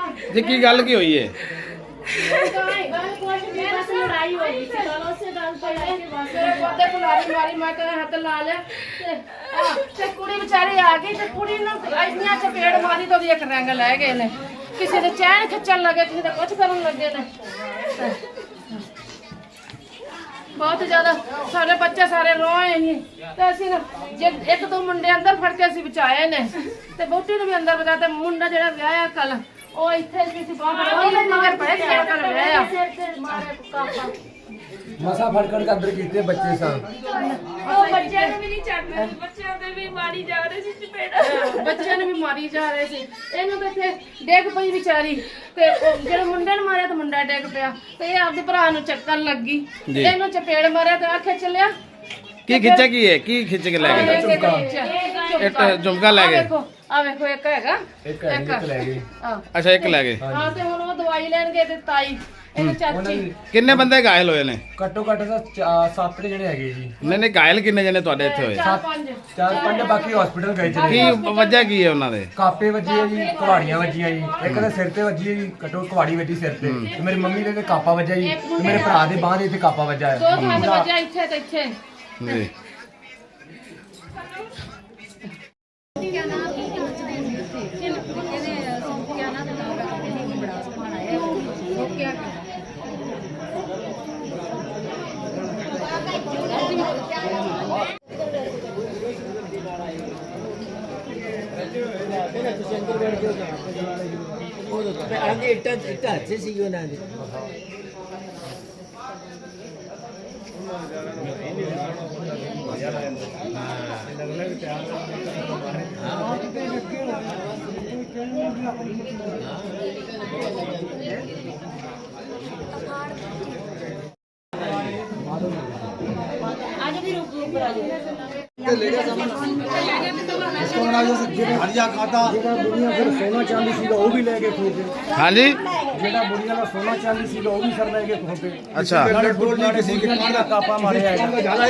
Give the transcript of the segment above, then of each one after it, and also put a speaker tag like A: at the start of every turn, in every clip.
A: जी की गल की हुई है?
B: लड़ाई हो गई थी दोनों से गल पे मेरे पोते को मारी मैं तो हाथ ला लिया ते कुड़ी बेचारी आ गई ते कुड़ी ने इतनी चपेड़ मारी तो एक रंग ले गए ने किसी दे चैन खिचन लगे किसी दे कुछ करन लगे ने बहुत ज्यादा सारे बच्चे सारे रोए ही ते असि जे एक दो मुंडे अंदर फड़ के असि बचाए ने ते बोटी ने भी अंदर बचा ते मुंडा जेड़ा विआहया कल ओ इथे किसी बाहर ओने मगर पड़े के कल विआहया
C: मसा फड़कड़ के अंदर कीते बच्चे सा
B: ओ बच्चे ने भी नहीं छड्डे बच्चों ने भी मारी जा रहे सी चपेड़ा बच्चे ने भी मारी जा रहे सी ਇਹਨੂੰ ਤੇ ਇੱਥੇ ਡੇਗ ਪਈ ਵਿਚਾਰੀ ਤੇ ਜਿਹੜੇ ਮੁੰਡੇ ਨੂੰ ਮਾਰਿਆ ਤੇ ਮੁੰਡਾ ਡੇਗ ਪਿਆ ਤੇ ਇਹ ਆਪਦੇ ਭਰਾ ਨੂੰ ਚੱਕਣ ਲੱਗੀ ਇਹਨੂੰ ਚਪੇੜ ਮਾਰਿਆ ਤੇ ਆਖੇ ਚੱਲਿਆ
A: की खिंचा की है की खिंच के ले गए? एक झुमका ले गए।
B: ਆ ਵੇਖੋ ਇੱਕ ਹੈਗਾ
C: एक ले गए
A: अच्छा एक ले गए।
B: ਹਾਂ ਤੇ ਹੁਣ ਉਹ ਦਵਾਈ ਲੈਣ ਗਏ ਤੇ ਤਾਈ ਇਹਦੀ ਚਾਚੀ
A: किन्ने बंदे घायल होए ने?
C: ਘੱਟੋ ਘੱਟ ਤਾਂ 7 ਜਣੇ ਹੈਗੇ ਜੀ
A: नहीं नहीं घायल किन्ने जने ਤੁਹਾਡੇ ਇੱਥੇ ਹੋਏ?
C: 4-5 ਬਾਕੀ ਹਸਪੀਟਲ ਗਏ ਚਲੇ
A: ਕੀ ਵਜ੍ਹਾ ਕੀ ਹੈ ਉਹਨਾਂ ਦੇ?
C: ਕਾਪੇ ਵੱਜੀ ਹੈ ਜੀ ਕੁਹਾੜੀਆਂ ਵੱਜੀਆਂ ਜੀ ਇੱਕ ਦੇ ਸਿਰ ਤੇ ਵੱਜੀ ਹੈ ਜੀ ਘੱਟੋ ਕੁਹਾੜੀ ਵੱਜੀ ਸਿਰ ਤੇ ਤੇ ਮੇਰੀ ਮੰਮੀ ਦੇ ਕਾਪਾ ਵੱਜਾ ਜੀ ਤੇ ਮੇਰੇ ਭਰਾ ਦੇ ਬਾਂਹ ਦੇ ਇੱਥੇ ਕਾਪਾ ਵੱਜਾ ਹੈ
B: ਦੋ ਥਾਂ ਤੇ ਵੱਜਿਆ ਇੱਥੇ ਤੇ ਇੱਥੇ
A: जी
C: सोना चांदी सीगा वो भी लेके खो के
A: हाँ जी
C: जेड़ा बुढ़िया का सोना चांदी सीगा वो भी सर लेके खो के
A: अच्छा
C: किसी के कापा मारे
D: ऐसे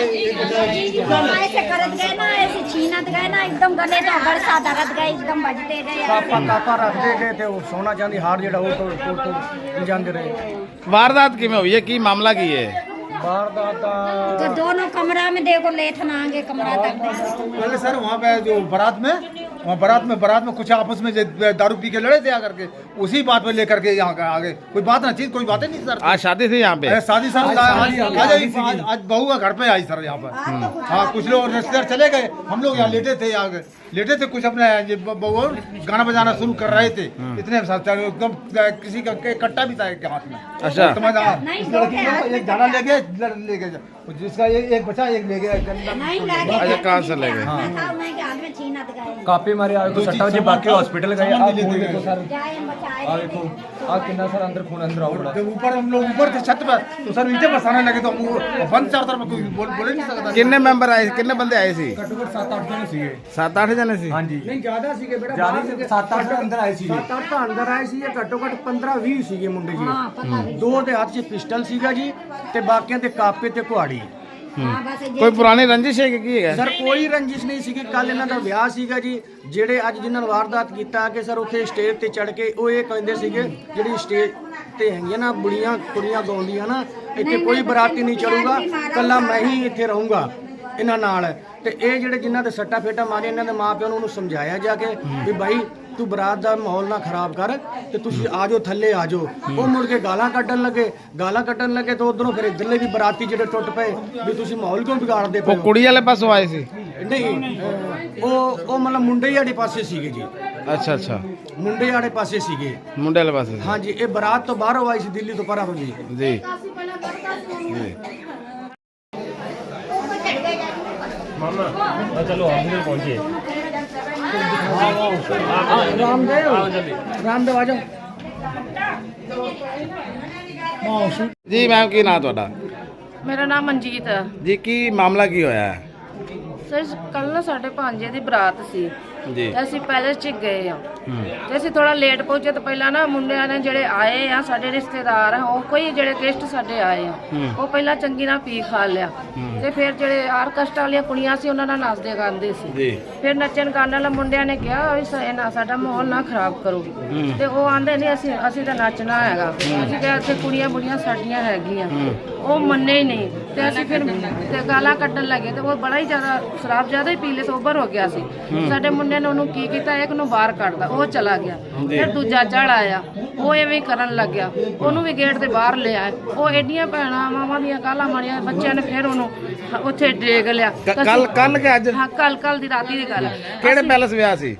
D: करत गए ना ऐसे छीनत गए ना एकदम गले तो बरसा दरद गए एकदम बजते गए
C: कापा रखते गए थे वो सोना चांदी हार जेड़ा वो तो जाते रहे
A: वारदात किमें हुई है की मामला की है?
C: वारदात
D: तो दोनों कमरा में देखो लेथन आगे कमरा तक
E: पहले सर वहाँ पे जो बारात में कुछ आपस में दारू पी के लड़े थे आकर के उसी बात पे लेकर के यहाँ आगे कोई बात ना चीज कोई बातें नहीं सर।
A: आज शादी थी यहाँ पे?
E: शादी सर आज बहू का घर पे आई सर यहाँ पर। हाँ कुछ लोग रिश्तेदार चले गए हम लोग यहाँ लेटे थे कुछ अपने बहू गाना बजाना शुरू कर रहे थे इतने एकदम किसी का कट्टा भी था एक हाथ में।
A: अच्छा
E: एक झाड़ा ले गए जिसका एक बचा एक ले गया
A: अच्छा कहाँ से ले गए?
C: कापे मारे आए तो सट्टा जी बाकी हॉस्पिटल गए आप देखो सर आ देखो आ कितना सर अंदर खून अंदर आओ
E: जब ऊपर हम लोग ऊपर थे छत पर तो सर ईंटें बरसाने लगे तो हम बंद चार तरफ कोई बोले नहीं सकता।
A: किन्ने मेंबर आए किन्ने बंदे आए सी?
C: घट्टो घट 7-8 जने सीगे
A: 7-8 जने सी?
C: हां जी नहीं ज्यादा सीगे बेटा ज्यादा 7-8 अंदर आए सीगे 7-8 ਤਾਂ ਅੰਦਰ ਆਏ ਸੀ ਘੱਟੋ ਘੱਟ 15-20 ਸੀਗੇ ਮੁੰਡੇ ਜੀ ਦੋ ਦੇ ਹੱਥ 'ਚ ਪਿਸਟਲ ਸੀਗਾ ਜੀ ਤੇ ਬਾਕੀਆਂ ਦੇ ਕਾਪੇ ਤੇ ਕੁਹਾੜੀ
A: कोई पुरानी रंजिश है की है?
C: ਸਰ ਕੋਈ ਰੰਜਿਸ਼ ਨਹੀਂ ਸੀਗੀ ਕੱਲ ਇਹਨਾਂ ਦਾ ਵਿਆਹ ਸੀਗਾ ਜੀ ਜਿਹੜੇ ਅੱਜ ਜਿਨ੍ਹਾਂ ਨੇ ਵਾਰਦਾਤ ਕੀਤਾ ਕਿ ਸਰ ਉੱਥੇ ਸਟੇਜ ਤੇ ਚੜ ਕੇ ਉਹ ਇਹ ਕਹਿੰਦੇ ਸੀਗੇ ਜਿਹੜੀ ਸਟੇਜ ਤੇ ਹੈਗੀਆਂ ਨਾ ਬੁੜੀਆਂ ਕੁੜੀਆਂ ਗਾਉਂਦੀਆਂ ਨਾ ਇੱਥੇ ਕੋਈ ਬਰਾਤੀ ਨਹੀਂ ਚੜੂਗਾ ਕੱਲਾ ਮੈਂ ਹੀ ਇੱਥੇ ਰਹੂੰਗਾ ਇਹਨਾਂ ਨਾਲ ਤੇ ਇਹ ਜਿਹੜੇ ਜਿਨ੍ਹਾਂ ਦੇ ਸੱਟਾ ਫੇਟਾ ਮਾਰੇ ਇਹਨਾਂ ਦੇ ਮਾਪਿਆਂ ਨੂੰ ਉਹਨੂੰ ਸਮਝਾਇਆ ਜਾ ਕੇ ਵੀ ਭਾਈ ਤੂੰ ਬਰਾਤ ਦਾ ਮਾਹੌਲ ਨਾ ਖਰਾਬ ਕਰ ਤੇ ਤੁਸੀਂ ਆ ਜਾਓ ਥੱਲੇ ਆ ਜਾਓ ਉਹ ਮੁੜ ਕੇ ਗਾਲਾਂ ਕੱਢਣ ਲੱਗੇ ਤੇ ਉਧਰੋਂ ਫਿਰ ਇਧਰਲੇ ਵੀ ਬਰਾਤੀ ਜਿਹੜੇ ਟੁੱਟ ਪਏ ਵੀ ਤੁਸੀਂ ਮਾਹੌਲ ਕਿਉਂ ਵਿਗਾੜਦੇ ਪਏ
A: वो कुड़ी वाले पासों आए सी?
C: ਨਹੀਂ ਉਹ ਮਤਲਬ ਮੁੰਡੇ ਵਾਲੇ ਪਾਸੇ ਸੀਗੇ ਜੀ
A: अच्छा अच्छा
C: ਮੁੰਡੇ ਵਾਲੇ ਪਾਸੇ ਸੀਗੇ
A: मुंडे वाले पास से?
C: ਹਾਂਜੀ ਇਹ ਬਰਾਤ ਤੋਂ ਬਾਹਰੋਂ ਆਈ ਸੀ ਦਿੱਲੀ ਤੋਂ ਪਰਾਂ ਤੋਂ ਜੀ
A: जी जी
F: चलो हॉस्पिटल पहुंचे
C: ਰਾਮਦੇਵ ਆ ਜਾਓ
A: जी मैम की नाम ਤੁਹਾਡਾ?
B: ਮੇਰਾ ਨਾਮ ਮਨਜੀਤ ਹੈ
A: जी की मामला की होया है?
B: ਸਰ ਕੱਲ ਨਾ ਸਾਡੇ ਭਾਂਜੇ ਦੀ ਬਰਾਤ ਸੀ
A: ਜੀ।
B: ਤੇ ਅਸੀਂ ਪੈਲੇਸ 'ਚ ਗਏ ਆ ਤੇ ਅਸੀਂ ਥੋੜਾ ਲੇਟ ਪਹੁੰਚੇ ਤੇ ਪਹਿਲਾਂ ਨਾ ਮੁੰਡਿਆਂ ਨੇ ਜਿਹੜੇ ਆਏ ਆ ਸਾਡੇ ਰਿਸ਼ਤੇਦਾਰ ਆ ਉਹ ਕੋਈ ਜਿਹੜੇ ਗੈਸਟ ਸਾਡੇ ਆਏ ਆ ਉਹ ਪਹਿਲਾਂ ਚੰਗੀ ਨਾਲ ਪੀ ਖਾ ਲਿਆ ਤੇ ਫਿਰ ਜਿਹੜੇ ਆਰਕੈਸਟਰਾ ਵਾਲੀਆਂ ਕੁੜੀਆਂ ਸੀ ਉਹਨਾਂ ਨਾਲ ਨੱਚਦੇ ਗਾਉਂਦੇ ਸੀ
A: ਜੀ।
B: ਫਿਰ ਨੱਚਣ ਗਾਉਣ ਵਾਲੇ ਮੁੰਡਿਆਂ ਨੇ ਕਿਹਾ ਵੀ ਨਾ ਸਾਡਾ ਮਾਹੌਲ ਨਾ ਖਰਾਬ ਕਰੋ ਤੇ ਉਹ ਆਂਦੇ ਨਹੀਂ ਅਸੀਂ ਤਾਂ ਨੱਚਣਾ ਹੈਗਾ ਅਸੀਂ ਕਿਹਾ ਇੱਥੇ ਕੁੜੀਆਂ ਬੁੜੀਆਂ ਸਾਡੀਆਂ ਹੈਗੀਆਂ ਉਹ ਮੰਨੇ ਹੀ ਨਹੀਂ ਤੇ ਅਸੀਂ ਫਿਰ ਤੇ ਗਾਲਾਂ ਕੱਢਣ ਲੱਗੇ ਤੇ ਉਹ ਬੜਾ ਹੀ ਜ਼ਿਆਦਾ ਸ਼ਰਾਬ ਜ਼ਿਆਦਾ ਹੀ ਪੀ ਲੇ ਸੋਬਰ ਹੋ ਗਿਆ ਸੀ ਸਾਡੇ ਮੁੰਡੇ ਨੇ ਉਹਨੂੰ ਕੀ ਕੀਤਾ ਇੱਕ ਨੂੰ ਬਾਹਰ ਕੱਢਦਾ ਉਹ ਚਲਾ ਗਿਆ ਫਿਰ ਦੂਜਾ ਚੜ ਆਇਆ ਉਹ ਐਵੇਂ ਹੀ ਕਰਨ ਲੱਗਿਆ ਉਹਨੂੰ ਵੀ ਗੇਟ ਦੇ ਬਾਹਰ ਲਿਆ ਉਹ ਐਡੀਆਂ ਭੈਣਾਂ ਮਾਵਾਂ ਦੀਆਂ ਗਾਲਾਂ ਮਾਰੀਆਂ ਬੱਚਿਆਂ ਨੇ ਫਿਰ ਉਹਨੂੰ ਉੱਥੇ ਡੇਗ ਲਿਆ
A: ਕੱਲ ਕਿ ਅੱਜ?
B: ਹਾਂ ਕੱਲ ਦੀ ਰਾਤੀ ਦੀ ਗੱਲ ਹੈ
A: ਕਿਹੜੇ ਪੈਲਸ ਵਿਆਹ ਸੀ?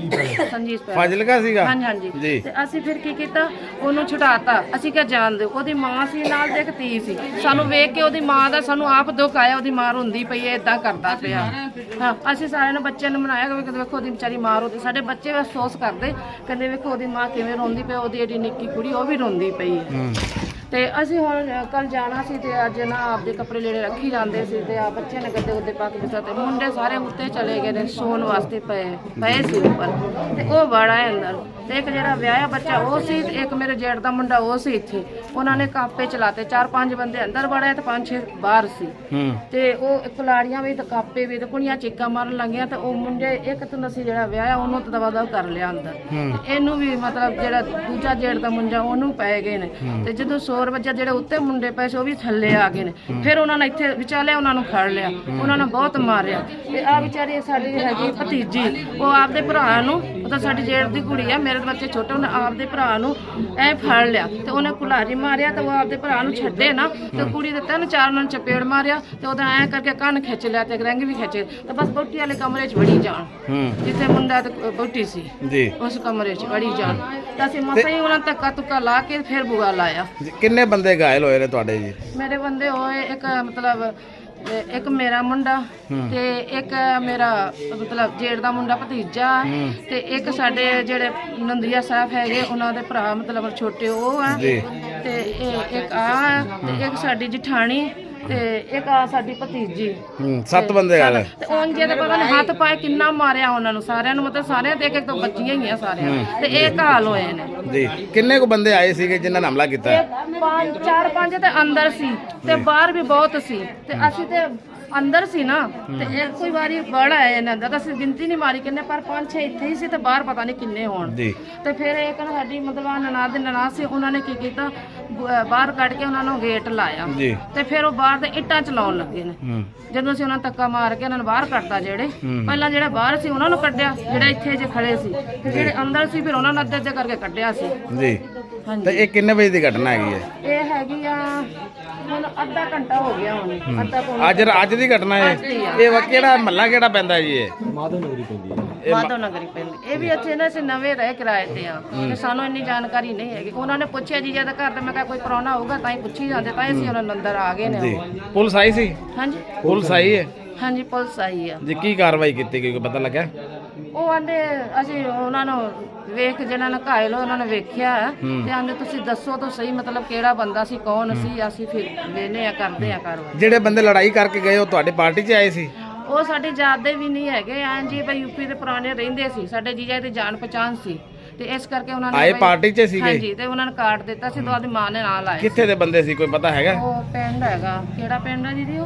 B: ਸੰਜੀਤ
A: ਫਾਜ਼ਿਲਕਾ ਸੀਗਾ?
B: ਹਾਂਜੀ ਹਾਂਜੀ
A: ਜੀ।
B: ਤੇ ਅਸੀਂ ਫਿਰ ਕੀ ਕੀਤਾ ਉਹਨੂੰ ਛੁਡਾਤਾ ਅਸੀਂ ਕਿਹਾ ਜਾਣ ਦਿਓ ਉਹਦੀ ਮਾਂ ਸੀ ਨਾਲ ਦੇ ਇੱਕ ਧੀ ਸੀ ਸਾਨੂੰ ਵੇਖ ਕੇ ਉਹਦੀ ਮਾਂ ਦਾ ਸਾਨੂੰ ਆਪ ਦੁੱਖ ਆਇਆ ਉਹਦੀ ਮਾਂ ਰੋਂਦੀ ਪਈ ਹੈ ਇਦਾਂ ਕਰਦਾ ਪਿਆ ਹਾਂ ਅਸੀਂ ਸਾਰਿਆਂ ਨੇ ਬੱਚਿਆਂ ਨੂੰ ਮਨਾਇਆ ਕਿ ਵੇਖੋ ਉਹਦੀ ਵਿਚਾਰੀ ਮਾਂ ਰੋਂਦੀ ਸਾਡੇ ਬੱਚੇ ਵੀ ਅਫਸੋਸ ਕਰਦੇ ਕਹਿੰਦੇ ਵੇਖੋ ਉਹਦੀ ਮਾਂ ਕਿਵੇਂ ਰੋਂਦੀ ਪਈ ਉਹਦੀ ਏਡੀ ਨਿੱਕੀ ਕੁੜੀ ਉਹ ਵੀ ਰੋਂਦੀ ਪਈ ਹੈ ਤੇ ਅਸੀਂ ਹੁਣ ਕੱਲ ਜਾਣਾ ਸੀ ਤੇ ਅੱਜ ਨਾ ਆਪਦੇ ਕੱਪੜੇ ਲੈਣੇ ਰੱਖੀ ਜਾਂਦੇ ਸੀ ਤੇ ਆ ਬੱਚਿਆਂ ਨੇ ਗੱਦੇ ਉੱਤੇ ਪਾ ਕੇ ਦਿੱਤਾ ਤੇ ਮੁੰਡੇ ਸਾਰੇ ਉੱਤੇ ਚਲੇ ਗਏ ਨੇ ਸੌਣ ਵਾਸਤੇ ਪਏ ਸੀ ਉੱਪਰ ਤੇ ਉਹ ਬੜਾ ਹੈ ਅੰਦਰ ਤੇ ਇੱਕ ਜਿਹੜਾ ਵਿਆਹਿਆ ਬੱਚਾ ਉਹ ਸੀ ਤੇ ਇੱਕ ਮੇਰੇ ਜੇਠ ਦਾ ਮੁੰਡਾ ਉਹ ਸੀ ਇੱਥੇ ਉਹਨਾਂ ਨੇ ਕਾਪੇ ਚਲਾਤੇ 4-5 ਬੰਦੇ ਅੰਦਰ ਵੜੇ ਤੇ 5-6 ਬਾਹਰ ਸੀ ਤੇ ਉਹ ਕੁਲਾੜੀਆਂ ਵੀ ਤੇ ਕਾਪੇ ਵੀ ਤੇ ਕੁੜੀਆਂ ਚੀਕਾਂ ਮਾਰਨ ਲੱਗੀਆਂ ਤੇ ਉਹ ਮੁੰਡੇ ਇੱਕ ਤਾਂ ਸੀ ਜਿਹੜਾ ਵਿਆਹਿਆ ਉਹਨੂੰ ਤਾਂ ਦਵਾ ਕਰ ਲਿਆ ਅੰਦਰ ਤੇ ਇਹਨੂੰ ਵੀ ਮਤਲਬ ਜਿਹੜਾ ਦੂਜਾ ਜੇਠ ਦਾ ਮੁੰਡਾ ਉਹਨੂੰ ਪੈ ਗਏ ਨੇ ਤੇ ਜਦੋਂ 100 ਵਜੇ ਜਿਹੜੇ ਉੱਤੇ ਮੁੰਡੇ ਪਏ ਸੀ ਉਹ ਵੀ ਥੱਲੇ ਆ ਗਏ ਨੇ ਫਿਰ ਉਹਨਾਂ ਨੇ ਇੱਥੇ ਵਿਚਾਲੇ ਉਹਨਾਂ ਨੂੰ ਫੜ ਲਿਆ ਉਹਨਾਂ ਨੇ ਬਹੁਤ ਮਾਰਿਆ ਤੇ ਆ ਵਿਚਾਰੀ ਸਾਡੀ ਹੈਗੀ ਭਤੀਜੀ ਉਹ ਆਪਦੇ ਭਰਾ ਨੂੰ ਉਹ ਤਾਂ ਸਾਡੀ ਜੇਠ ਦੀ ਕੁੜੀ ਆ ਮੇਰੇ ਬੱਚੇ ਛੋਟੇ ਉਹਨੇ ਆਪਦੇ ਭਰਾ ਨੂੰ ਐ ਫੜ ਲਿਆ ਤੇ ਉਹਨੇ ਕੁਲਾਰੀ ਮਾਰਿਆ ਤੇ ਉਹ ਆਪਦੇ ਭਰਾ ਨੂੰ ਛੱਡੇ ਨਾ ਤੇ ਕੁੜੀ ਦੇ 3-4 ਉਹਨਾਂ ਨੂੰ ਚਪੇੜ ਮਾਰਿਆ ਤੇ ਉਹਦਾ ਐ ਕਰਕੇ ਕੰਨ ਖਿੱਚ ਲਿਆ ਤੇ ਰੰਗ ਵੀ ਖਿੱਚੇ ਤੇ ਬਸ ਬੋਟੀ ਵਾਲੇ ਕਮਰੇ 'ਚ ਵੜੀ ਜਾਣ ਜਿੱਥੇ ਮੁੰਡਾ ਤੇ ਬੋਟੀ ਸੀ
A: ਜੀ
B: ਉਸ ਕਮਰੇ 'ਚ ਵੜੀ ਜਾਣ ਤਾਂ ਅਸੀਂ ਮਸਾਂ ਹੀ ਉਹਨਾਂ ਧੱਕਾ ਤੁੱਕਾ ਲਾ ਕੇ ਫਿਰ ਬੁਆ ਲਾਇਆ
A: ਕਿੰਨੇ ਬੰਦੇ ਘਾਇਲ ਹੋਏ ਨੇ ਤੁਹਾਡੇ ਜੀ?
B: ਮੇਰੇ ਬੰਦੇ ਹੋਏ ਇੱਕ ਮਤਲਬ ਇੱਕ ਮੇਰਾ ਮੁੰਡਾ ਤੇ ਇੱਕ ਮੇਰਾ ਮਤਲਬ ਜੇਠ ਦਾ ਮੁੰਡਾ ਭਤੀਜਾ ਤੇ ਇੱਕ ਸਾਡੇ ਜਿਹੜੇ ਨੰਦਰੀਆ ਸਾਹਿਬ ਹੈਗੇ ਉਹਨਾਂ ਦੇ ਭਰਾ ਮਤਲਬ ਛੋਟੇ ਉਹ ਆ ਤੇ ਇੱਕ ਆ ਤੇ ਇੱਕ ਸਾਡੀ ਜਠਾਣੀ ਤੇ ਇੱਕ ਆ ਸਾਡੀ ਭਤੀਜੀ
A: 7 ਬੰਦੇ ਘਾਇਲ
B: ਤੇ ਉਂਝੇ ਤੇ ਪਤਾ ਨਹੀਂ ਹੱਥ ਪਾਏ ਕਿੰਨਾ ਮਾਰਿਆ ਉਹਨਾਂ ਨੂੰ ਸਾਰਿਆਂ ਨੂੰ ਮਤਲਬ ਸਾਰਿਆਂ ਤੇ ਇੱਕ ਤੋਂ ਬੱਚੀਆਂ ਹੀ ਆ ਸਾਰਿਆਂ ਤੇ ਇਹ ਘਾਲ ਹੋਏ ਨੇ
A: ਜੀ। ਕਿੰਨੇ ਕੁ ਬੰਦੇ ਆਏ ਸੀਗੇ ਜਿਨ੍ਹਾਂ ਨੇ ਹਮਲਾ ਕੀਤਾ?
B: 4-5 ਤੇ ਅੰਦਰ ਸੀ ਤੇ ਬਾਹਰ ਵੀ ਬਹੁਤ ਸੀ ਤੇ ਅਸੀਂ ਤੇ ਅੰਦਰ ਸੀ ਨਾ ਤੇ ਇਹ ਕੋਈ ਵਾਰੀ ਬੜਾ ਆਇਆ ਇਹਨਾਂ ਦਾ ਤਾਂ ਅਸੀਂ ਗਿਣਤੀ ਨਹੀਂ ਮਾਰੀ ਕਿੰਨੇ ਪਰ 5-6 ਇੱਥੇ ਹੀ ਸੀ ਤੇ ਬਾਹਰ ਪਤਾ ਨਹੀਂ ਕਿੰਨੇ ਹੋਣ ਤੇ ਫਿਰ ਇੱਕ ਸਾਡੀ ਮਤਲਬ ਨਨਾਦ ਦੇ ਨਨਾਦ ਸੀ ਉਹਨਾਂ ਨੇ ਕੀ ਕੀਤਾ ਬਾਹਰ ਕੱਢ ਕੇ ਉਹਨਾਂ ਨੂੰ ਗੇਟ ਲਾਇਆ ਤੇ ਫਿਰ ਉਹ ਬਾਹਰ ਦੇ ਇੱਟਾਂ ਚਲਾਉਣ ਲੱਗੇ ਨੇ ਜਦੋਂ ਅਸੀਂ ਉਹਨਾਂ ਨੂੰ ਧੱਕਾ ਮਾਰ ਕੇ ਉਹਨਾਂ ਨੂੰ ਬਾਹਰ ਕੱਢਤਾ ਜਿਹੜੇ ਪਹਿਲਾਂ ਜਿਹੜਾ ਬਾਹਰ ਸੀ ਉਹਨਾਂ ਨੂੰ ਕੱਢਿਆ ਜਿਹੜੇ ਇੱਥੇ ਜੇ ਖੜੇ ਸੀ ਤੇ ਜਿਹੜੇ ਅੰਦਰ ਸੀ ਫਿਰ ਉਹਨਾਂ ਨੂੰ ਅੱਧੇ ਕਰਕੇ ਕੱਢਿਆ ਸੀ
A: ਜੀ। ਤੇ ਇਹ ਕਿੰਨੇ ਵਜੇ ਦੀ ਘਟਨਾ ਹੈਗੀ ਹੈ?
B: ਇਹ ਹੈਗੀ ਆ ਹੁਣ ਅੱਧਾ ਘੰਟਾ ਹੋ ਗਿਆ ਹੁਣ
A: ਅੱਜ ਦੀ ਘਟਨਾ ਹੈ ਇਹ ਕਿਹੜਾ ਮਹੱਲਾ ਕਿਹੜਾ ਪੈਂਦਾ ਜੀ? ਇਹ
B: ਮਾਧੋ ਨਗਰੀ ਪੈਂਦੀ ਇਹ ਵੀ ਇੱਥੇ ਨਾ ਅਸੀਂ ਨਵੇਂ ਰਹਿ ਕਿਰਾਏ ਤੇ ਆ ਤੇ ਸਾਨੂੰ ਇੰਨੀ ਜਾਣਕਾਰੀ ਨਹੀਂ ਹੈਗੀ ਉਹਨਾਂ ਨੇ ਪੁੱਛਿਆ ਜੀ ਜਦ ਘਰ ਤੇ ਮੈਂ ਕਿਹਾ ਕੋਈ ਪ੍ਰਾਹੁਣਾ ਹੋਊਗਾ ਤਾਂ ਹੀ ਪੁੱਛੀ ਜਾਂਦੇ ਤਾਂ ਅਸੀਂ ਉਹਨਾਂ ਨੂੰ ਅੰਦਰ ਆ ਗਏ ਨੇ
A: ਪੁਲਿਸ ਆਈ ਸੀ?
B: ਹਾਂਜੀ
A: ਪੁਲਿਸ ਆਈ ਹੈ
B: ਹਾਂਜੀ ਪੁਲਿਸ ਆਈ ਆ
A: ਜੀ। ਕੀ ਕਾਰਵਾਈ ਕੀਤੀ ਗਈ ਕੋਈ ਪਤਾ ਲੱਗਾ?
B: ਉਹ ਆਂਦੇ ਅਸੀਂ ਉਹਨਾਂ ਨੂੰ ਵੇਖ ਜਿਹਨਾਂ ਨੇ ਘਾਇਲ ਉਹਨਾਂ ਨੇ ਵੇਖਿਆ ਤੇ ਆਂਦੇ ਤੁਸੀਂ ਦੱਸੋ ਤਾਂ ਸਹੀ ਮਤਲਬ ਕਿਹੜਾ ਬੰਦਾ ਸੀ ਕੌਣ ਸੀ ਅਸੀਂ ਫਿਰ ਵੇਨੇ ਆ ਕਰਦੇ ਆ ਕਾਰਵਾਈ।
A: ਜਿਹੜੇ ਬੰਦੇ ਲੜਾਈ ਕਰਕੇ ਗਏ ਉਹ ਤੁਹਾਡੀ ਪਾਰਟੀ 'ਚ ਆਏ ਸੀ?
B: ਉਹ ਸਾਡੇ ਜਾਤ ਦੇ ਵੀ ਨਹੀਂ ਹੈਗੇ ਆਂ ਜੀ ਬਈ ਯੂਪੀ ਦੇ ਪੁਰਾਣੇ ਰਹਿੰਦੇ ਸੀ ਸਾਡੇ ਜੀਜਾ ਦੀ ਜਾਣ ਪਛਾਣ ਸੀ ਤੇ ਇਸ ਕਰਕੇ ਉਹਨਾਂ ਨੇ
A: ਆਏ ਪਾਰਟੀ 'ਚ ਸੀਗੇ?
B: ਹਾਂਜੀ ਤੇ ਉਹਨਾਂ ਨੇ ਕਾਰਡ ਦਿੱਤਾ ਸੀ ਤਾਂ ਉਹਦੀ ਮਾਂ ਨੇ ਨਾਲ ਆਏ।
A: ਕਿੱਥੇ ਦੇ ਬੰਦੇ ਸੀ ਕੋਈ ਪਤਾ ਹੈਗਾ?
B: ਉਹ ਪਿੰਡ ਹੈਗਾ ਕਿਹੜਾ ਪਿੰਡ ਆ ਦੀਦੀ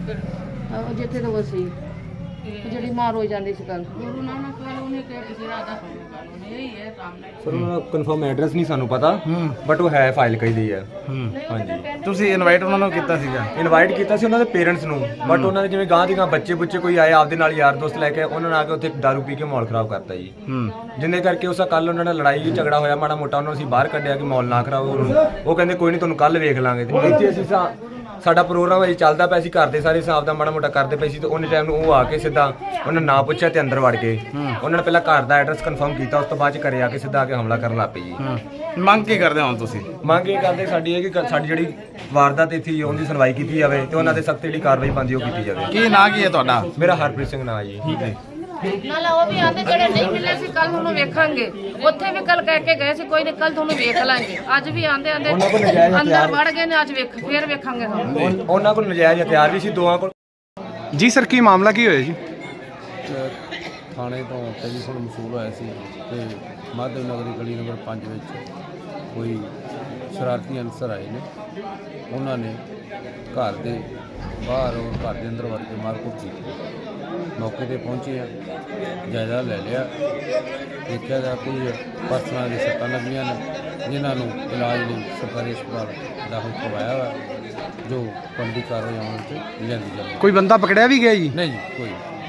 B: ਉਹ ਜਿੱਥੇ ਤੋਂ ਉਹ ਸੀ ਜਿਹੜੀ ਮਾਰ ਹੋ ਜਾਂਦੀ ਸੀ ਕੱਲ ਗੁਰੂ ਨਾਨਕ ਵਾਲੇ ਉਹਨੇ ਕਿਹਾ ਕਿਸੇ ਦਾ ਆਦਾ ਇਹੀ ਹੈ ਸਾਹਮਣੇ
F: ਸਰ ਉਹਨਾਂ ਦਾ ਕਨਫਰਮ ਐਡਰੈਸ ਨਹੀਂ ਸਾਨੂੰ ਪਤਾ ਬਟ ਉਹ ਹੈ ਫਾਈਲ ਕਹੀ ਦੀ ਹੈ।
A: ਹਾਂਜੀ। ਤੁਸੀਂ ਇਨਵਾਈਟ ਉਹਨਾਂ ਨੂੰ ਕੀਤਾ ਸੀਗਾ?
F: ਇਨਵਾਈਟ ਕੀਤਾ ਸੀ ਉਹਨਾਂ ਦੇ ਪੇਰੈਂਟਸ ਨੂੰ ਬਟ ਉਹਨਾਂ ਨੇ ਜਿਵੇਂ ਗਾਂ ਦੀ ਗਾਂ ਬੱਚੇ ਕੋਈ ਆਏ ਆਪਦੇ ਨਾਲ ਯਾਰ ਦੋਸਤ ਲੈ ਕੇ ਉਹਨਾਂ ਨੇ ਆ ਕੇ ਉੱਥੇ ਦਾਰੂ ਪੀ ਕੇ ਮਾਹੌਲ ਖਰਾਬ ਕਰਤਾ ਜੀ ਜਿੰਨੇ ਕਰਕੇ ਉਸਾ ਕੱਲ ਉਹਨਾਂ ਨਾਲ ਲੜਾਈ ਝਗੜਾ ਹੋਇਆ ਮਾੜਾ ਮੋਟਾ ਉਹਨਾਂ ਨੂੰ ਅਸੀਂ ਬਾਹਰ ਕੱਢਿਆ ਕਿ ਮਾਹੌਲ ਨਾ ਖਰਾਬ ਉਹ ਕਹਿੰਦੇ ਕੋਈ ਨਹੀਂ ਤੁਹਾਨੂੰ ਕੱਲ ਵੇਖ ਲਾਂਗੇ ਤੇ ਇੱਥੇ ਅਸੀਂ ਸਾਡਾ ਪ੍ਰੋਗਰਾਮ ਅਜੇ ਚੱਲਦਾ ਪਿਆ ਸੀ ਘਰ ਦੇ ਸਾਰੇ ਹਿਸਾਬ ਦਾ ਮਾੜਾ ਮੋਟਾ ਕਰਦੇ ਪਏ ਸੀ ਤੇ ਉਹਨੇ ਟਾਈਮ ਨੂੰ ਉਹ ਆ ਕੇ ਸਿੱਧਾ ਉਹਨਾਂ ਨਾਂ ਪੁੱਛਿਆ ਤੇ ਅੰਦਰ ਵੜ ਗਏ ਉਹਨਾਂ ਨੇ ਪਹਿਲਾਂ ਘਰ ਦਾ ਐਡਰੈਸ ਕਨਫਰਮ ਕੀਤਾ ਉਸ ਤੋਂ ਬਾਅਦ ਚ ਘਰੇ ਆ ਕੇ ਸਿੱਧਾ ਆ ਕੇ ਹਮਲਾ ਕਰਨ ਲੱਗ ਪਏ ਜੀ।
A: ਮੰਗ ਕੀ ਕਰਦੇ ਹੋ ਤੁਸੀਂ?
F: ਮੰਗ ਇਹ ਕਰਦੇ ਸਾਡੀ ਹੈ ਕਿ ਸਾਡੀ ਜਿਹੜੀ ਵਾਰਦਾਤ ਇੱਥੇ ਉਹਦੀ ਸੁਣਵਾਈ ਕੀਤੀ ਜਾਵੇ ਤੇ ਉਹਨਾਂ ਦੇ ਸਖਤ ਜਿਹੜੀ ਕਾਰਵਾਈ ਬਣਦੀ ਉਹ ਕੀਤੀ ਜਾਵੇ।
A: ਕੀ ਨਾਂ ਕੀ ਹੈ ਤੁਹਾਡਾ?
F: ਮੇਰਾ ਹਰਪ੍ਰੀਤ ਸਿੰਘ ਨਾਂ ਜੀ। ਠੀਕ ਹੈ
B: ਨਾਲ ਉਹ ਵੀ ਆਂਦੇ ਜਿਹੜੇ ਨਹੀਂ ਮਿਲੇ ਸੀ ਕੱਲ ਤੁਹਾਨੂੰ ਵੇਖਾਂਗੇ ਉੱਥੇ ਵੀ ਕੱਲ ਕਹਿ ਕੇ ਗਏ ਸੀ ਕੋਈ ਨਹੀਂ ਕੱਲ ਤੁਹਾਨੂੰ ਵੇਖ ਲਾਂਗੇ ਅੱਜ ਵੀ ਆਂਦੇ ਅੰਦਰ ਵੜ ਗਏ ਨੇ ਅੱਜ ਫੇਰ ਵੇਖਾਂਗੇ ਤੁਹਾਨੂੰ।
F: ਉਹਨਾਂ ਕੋਲ ਨਜਾਇਜ਼ ਹਥਿਆਰ ਵੀ ਸੀ ਦੋਵਾਂ ਕੋਲ।
G: ਜੀ ਸਰ ਕੀ ਮਾਮਲਾ ਕੀ ਹੋਇਆ ਜੀ? ਥਾਣੇ ਤੋਂ ਟੈਲੀਫੋਨ ਮਸੂਲ ਹੋਇਆ ਸੀ ਕਿ ਮਾਧਵ ਨਗਰੀ ਗਲੀ ਨੰਬਰ 5 ਵਿੱਚ ਕੋਈ ਸ਼ਰਾਰਤੀ ਅਨਸਰ ਆਏ ਨੇ। ਉਹਨਾਂ ਨੇ ਘਰ ਦੇ ਬਾਹਰ ਔਰ ਘਰ ਦੇ ਅੰਦਰ ਵੜ ਕੇ ਮਾਰਕੁੱਟ ਕੀਤੀ। ਮੌਕੇ ਤੇ ਪਹੁੰਚੇ ਆ, ਜਾਇਜ਼ਾ ਲੈ ਲਿਆ, ਦੇਖਿਆ ਜਾ ਕੋਈ ਪਰਸਨਾਂ ਦੀ ਸੱਟਾਂ ਲੱਗੀਆਂ ਨੇ ਜਿਨ੍ਹਾਂ ਨੂੰ ਇਲਾਜ ਲਈ ਸਰਕਾਰੀ ਹਸਪਤਾਲ ਦਾਖਲ ਕਰਵਾਇਆ ਵਾ, ਜੋ ਬਣਦੀ ਕਾਰਵਾਈ ਅਮਲ 'ਚ ਲਿਆਂਦੀ ਜਾਵੇ।
A: ਕੋਈ ਬੰਦਾ ਪਕੜਿਆ ਵੀ ਗਿਆ ਜੀ?
G: ਨਹੀਂ ਜੀ, ਕੋਈ